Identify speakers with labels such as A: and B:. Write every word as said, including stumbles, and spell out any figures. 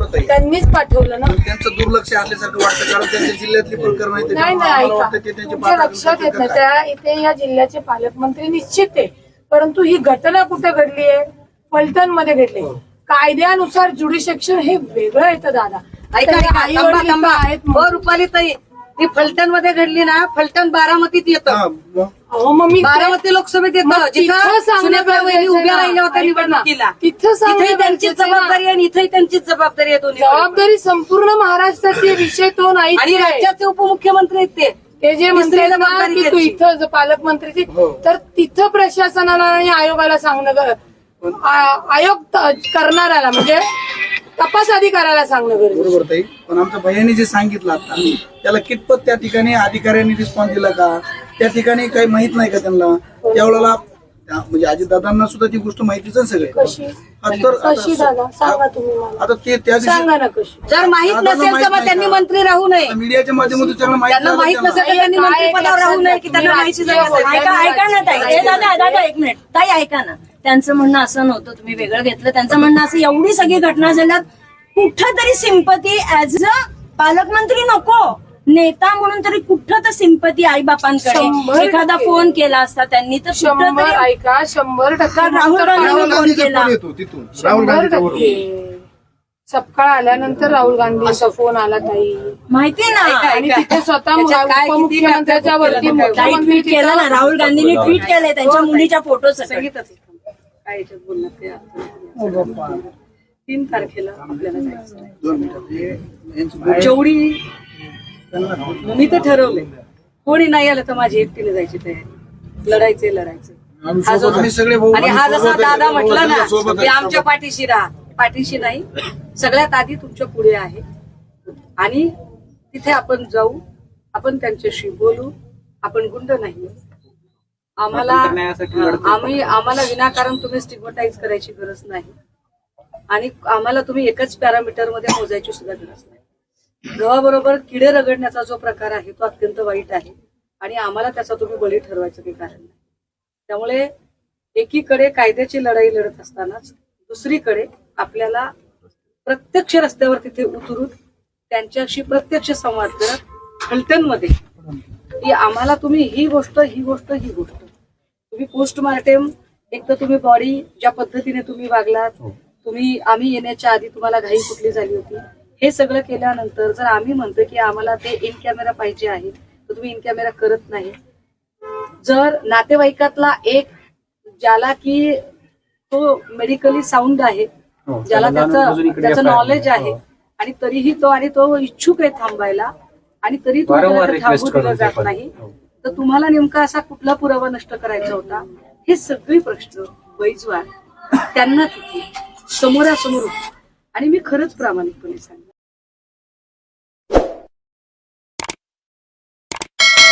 A: त्यांनीच पाठवलं ना.
B: त्यांचं दुर्लक्ष असल्यासारखं वाटतं कारण त्यांच्या जिल्ह्यातली प्रकरण आहे.
A: नाही नाही ऐका, तुमच्या लक्षात येत नाही त्या इथे या जिल्ह्याचे पालकमंत्री निश्चित आहे, परंतु ही घटना कुठे घडली आहे? फलटण मध्ये घडली. कायद्यानुसार ज्युडिशिक्शन हे वेगळं येतं दादा.
C: आहेत रुपाली ताई, ती फलटण मध्ये घडली ना, फलटण बारामतीत येतं.
A: मग मी
C: बारामती लोकसभेत येतं, जिथं सुनेत्रा वहिनी उभ्या राहिल्या होत्या निवडणुकीला. तिथे त्यांची जबाबदारी आणि इथे त्यांचीच जबाबदारी आहे. दोन्ही
A: जबाबदारी संपूर्ण महाराष्ट्राची विषय तो नाही.
C: आणि राज्याचे उपमुख्यमंत्री आहेत ते
A: ते जे म्हणते ना की तू इथं पालकमंत्रीची, तर तिथं प्रशासनाला आणि आयोगाला सांगणं, आयोग करणाऱ्याला म्हणजे तपास अधिकाऱ्याला सांगणं गरजेचं.
B: बरोबर ताई, पण आमच्या भैयाने जे सांगितलं आता त्याला कितपत त्या ठिकाणी अधिकाऱ्यांनी रिस्पॉन्स दिला का? त्या ठिकाणी काही माहित नाही का त्यांना? त्यावेळेला म्हणजे अजितदादांना सुद्धा ती गोष्ट माहितीच आहे सगळे.
A: कशी कशी दादा सांगा तुम्ही मला.
B: आता ते त्या
A: सांगा ना कशी.
C: जर माहित नसेल तर मग त्यांनी मंत्री राहू नये.
B: मीडियाच्या माध्यमातून त्यांना
C: माहित नसेल तर त्यांनी मंत्रिपदावर राहू नये की त्यांना माहिती
D: ऐका ऐका ना ताई, दादा दादा एक मिनिट ताई ऐका ना. त्यांचं म्हणणं असं नव्हतं, तुम्ही वेगळं घेतलं. त्यांचं म्हणणं असं, एवढी सगळी घटना झाल्यात कुठंतरी सिंपती ऍज अ पालकमंत्री नको, नेता म्हणून तरी कुठं तर सिंपती आई बापांकडे एखादा फोन केला असता त्यांनी तर
A: शंभर ऐका शंभर टक्के
D: राहुल गांधींनी फोन केला.
A: शंभर टक्के सपकाळ आल्यानंतर राहुल गांधींचा फोन आला ताई,
D: माहितीये ना.
A: आणि तिथे स्वतः उपमुख्यमंत्र्यांच्या वरती
D: ट्विट केलं ना, राहुल गांधींनी ट्विट केलंय त्यांच्या मुलीच्या फोटो सहित.
C: काय याच्यात बोलणार ते तीन तारखेला आपल्याला जायचं. जेवढी मी तर ठरवलंय, कोणी नाही आलं तर माझी एकटीने जायची तयारी. लढायचे लढायचे आणि हा जसा दादा म्हटला ना की आमच्या पाठीशी राहा, पाठीशी नाही, सगळ्यात आधी तुमच्या पुढे आहे. आणि तिथे आपण जाऊ, आपण त्यांच्याशी बोलू. आपण गुंड नाही. आम्हाला आम्ही आम्हाला विनाकारण तुम्ही स्टिग्मटाईज करायची गरज नाही आणि आम्हाला तुम्ही एकच पॅरामीटर मध्ये मोजायची सुद्धा गरज नाही. गव्हाबरोबर किडे रगडण्याचा जो प्रकार आहे तो अत्यंत वाईट आहे आणि आम्हाला त्याचा तुम्ही बळी ठरवायचं काही कारण नाही. त्यामुळे एकीकडे कायद्याची लढाई लढत असतानाच दुसरीकडे आपल्याला प्रत्यक्ष रस्त्यावर तिथे उतरून त्यांच्याशी प्रत्यक्ष संवाद करत फलटणमध्ये की आम्हाला तुम्ही ही गोष्ट ही गोष्ट ही गोष्ट तुम्ही पोस्टमार्टम, एक तर तुम्ही बॉडी ज्या पद्धतीने तुम्ही वागलात, तुम्ही आम्ही येण्याच्या आधी तुम्हाला घाई कुठली झाली होती, हे सगळं केल्यानंतर जर आम्ही म्हणतो की आम्हाला ते इन कॅमेरा पाहिजे आहे तर तुम्ही इन कॅमेरा करत नाही. जर नातेवाईकातला एक ज्याला की तो मेडिकली साऊंड आहे, ज्याला त्याचं त्याचं नॉलेज आहे आणि तरीही तो आणि तो इच्छुक आहे थांबायला आणि तरी तुम्हाला थांबू दिलं जात नाही, तर तुम्हाला नेमका असा कुठला पुरावा नष्ट करायचा होता? हे सगळे प्रश्न बैजवार त्यांना तिथे समोरासमोर. आणि मी खरंच प्रामाणिकपणे सांगते